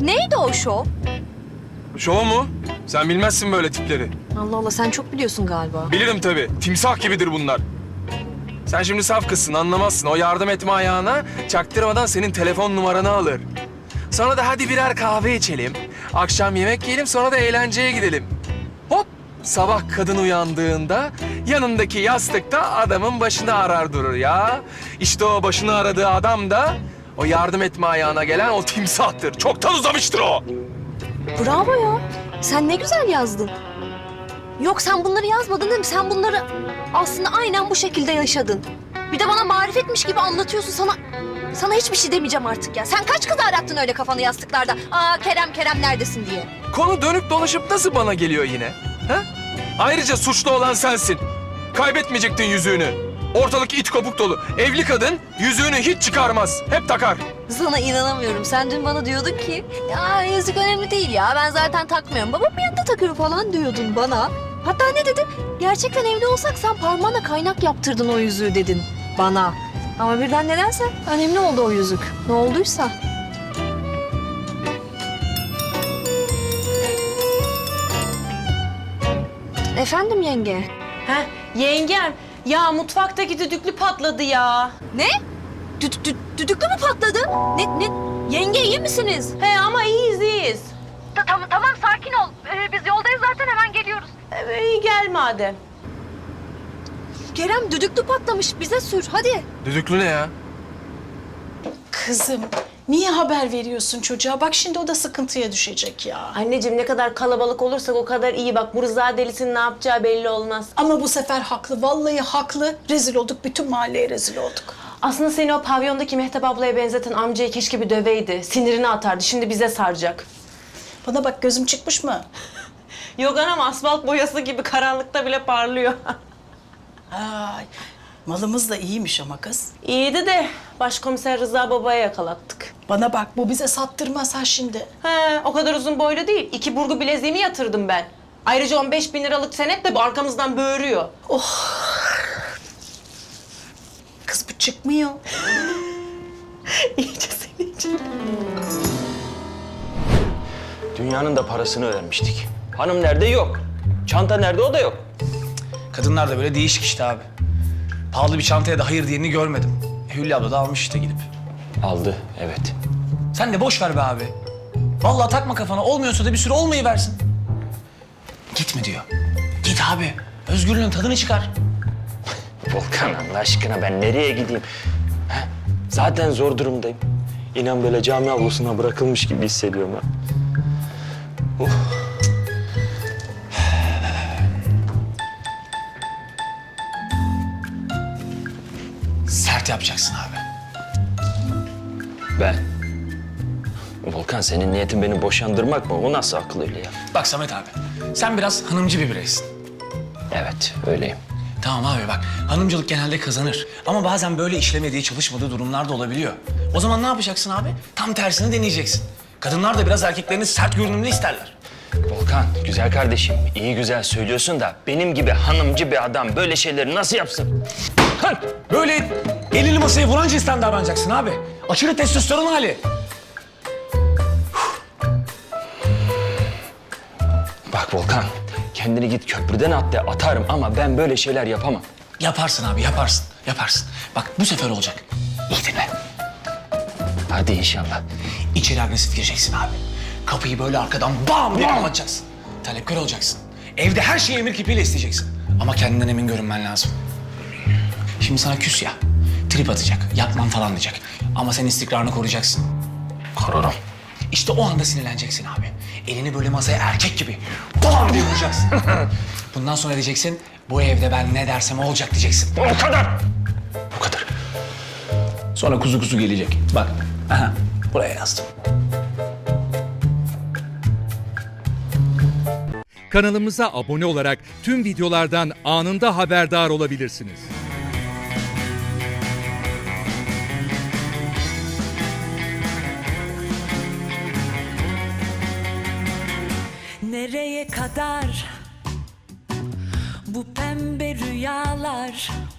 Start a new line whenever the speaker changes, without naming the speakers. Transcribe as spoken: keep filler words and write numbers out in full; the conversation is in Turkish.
Neydi o şov?
Şov mu? Sen bilmezsin böyle tipleri.
Allah Allah, sen çok biliyorsun galiba.
Bilirim tabii. Timsah gibidir bunlar. Sen şimdi saf kızsın, anlamazsın. O yardım etme ayağına çaktırmadan senin telefon numaranı alır. Sonra da hadi birer kahve içelim. Akşam yemek yiyelim, sonra da eğlenceye gidelim. Hop! Sabah kadın uyandığında yanındaki yastıkta adamın başını arar durur ya. İşte o başını aradığı adam da o yardım etme ayağına gelen o timsahtır. Çoktan uzamıştır o.
Bravo ya. Sen ne güzel yazdın. Yok, sen bunları yazmadın değil mi? Sen bunları aslında aynen bu şekilde yaşadın. Bir de bana marifetmiş gibi anlatıyorsun. Sana sana hiçbir şey demeyeceğim artık ya. Sen kaç kız arattın öyle kafanı yastıklarda? Aa Kerem Kerem neredesin diye.
Konu dönüp dolaşıp nasıl bana geliyor yine? Ha? Ayrıca suçlu olan sensin. Kaybetmeyecektin yüzüğünü. Ortalık it kopuk dolu. Evli kadın yüzüğünü hiç çıkarmaz. Hep takar.
Sana inanamıyorum. Sen dün bana diyordun ki ya yüzük önemli değil ya. Ben zaten takmıyorum. Babam yanında takıyor falan diyordun bana. Hatta ne dedin? Gerçekten evli olsak sen parmağına kaynak yaptırdın o yüzüğü dedin bana. Ama birden nedense önemli oldu o yüzük. Ne olduysa. Efendim yenge?
Heh, yengem. Ya mutfaktaki düdüklü patladı ya.
Ne? Dü dü düdüklü mü patladı? Ne ne? Yenge iyi misiniz?
He ama iyiyiz iyiyiz.
Tamam tamam sakin ol. Ee, biz yoldayız zaten, hemen geliyoruz.
Ee, iyi gel madem.
Kerem düdüklü patlamış, bize sür hadi.
Düdüklü ne ya?
Kızım, niye haber veriyorsun çocuğa? Bak şimdi o da sıkıntıya düşecek ya.
Anneciğim ne kadar kalabalık olursak o kadar iyi. Bak bu Rıza delisinin ne yapacağı belli olmaz.
Ama bu sefer haklı, vallahi haklı. Rezil olduk, bütün mahalleye rezil olduk.
Aslında seni o pavyondaki Mehtap ablaya benzeten amcayı keşke bir döveydi. Sinirini atardı. Şimdi bize saracak.
Bana bak, gözüm çıkmış mı?
Yok anam, asfalt boyası gibi karanlıkta bile parlıyor.
Ay, malımız da iyiymiş ama kız.
İyiydi de başkomiser Rıza babaya yakalattık.
Bana bak, bu bize sattırmaz ha şimdi.
He, o kadar uzun boylu değil. İki burgu bileziğimi yatırdım ben. Ayrıca on beş bin liralık senet de arkamızdan böğürüyor.
Kız bu çıkmıyor.
İyice seni için.
Dünyanın da parasını vermiştik. Hanım nerede? Yok. Çanta nerede? O da yok.
Kadınlar da böyle değişik işte abi. Pahalı bir çantaya da hayır diyeni görmedim. Hülya abla da almış işte gidip.
Aldı, evet.
Sen de boş ver be abi. Vallahi takma kafana. Olmuyorsa da bir süre olmayı versin. Gitme diyor. Git abi. Özgürlüğün tadını çıkar.
Volkan Allah aşkına ben nereye gideyim? He? Zaten zor durumdayım. İnan böyle cami avlusuna bırakılmış gibi hissediyorum ha. Oh.
Sert yapacaksın abi.
Ben. Volkan senin niyetin beni boşandırmak mı? O nasıl akıl öyle ya?
Bak Samet abi. Sen biraz hanımcı bir bireysin.
Evet, öyleyim.
Tamam abi bak. Hanımcılık genelde kazanır. Ama bazen böyle işlemediği, çalışmadığı durumlar da olabiliyor. O zaman ne yapacaksın abi? Tam tersini deneyeceksin. Kadınlar da biraz erkeklerini sert görünümlü isterler.
Volkan, güzel kardeşim, iyi güzel söylüyorsun da benim gibi hanımcı bir adam böyle şeyleri nasıl yapsın?
Hah, böyle elini masaya vuran cinsten davranacaksın abi. Aşırı testosteron hali.
Bak Volkan, kendini git köprüden at de atarım ama ben böyle şeyler yapamam.
Yaparsın abi, yaparsın, yaparsın. Bak bu sefer olacak. İyi dinle.
Hadi inşallah.
İçeri agresif gireceksin abi. Kapıyı böyle arkadan bam bam atacaksın. Talepkar olacaksın. Evde her şeyi emir kipiyle isteyeceksin. Ama kendinden emin görünmen lazım. Şimdi sana küs ya. Trip atacak, yapmam falan diyecek. Ama sen istikrarını koruyacaksın.
Korurum.
İşte o anda sinirleneceksin abi. Elini böyle masaya erkek gibi bam diye vuracaksın. Bundan sonra diyeceksin, bu evde ben ne dersem olacak diyeceksin.
O kadar. O kadar.
Sonra kuzu kuzu gelecek. Bak, aha, buraya yazdım.
Kanalımıza abone olarak tüm videolardan anında haberdar olabilirsiniz.
Nereye kadar bu pembe rüyalar?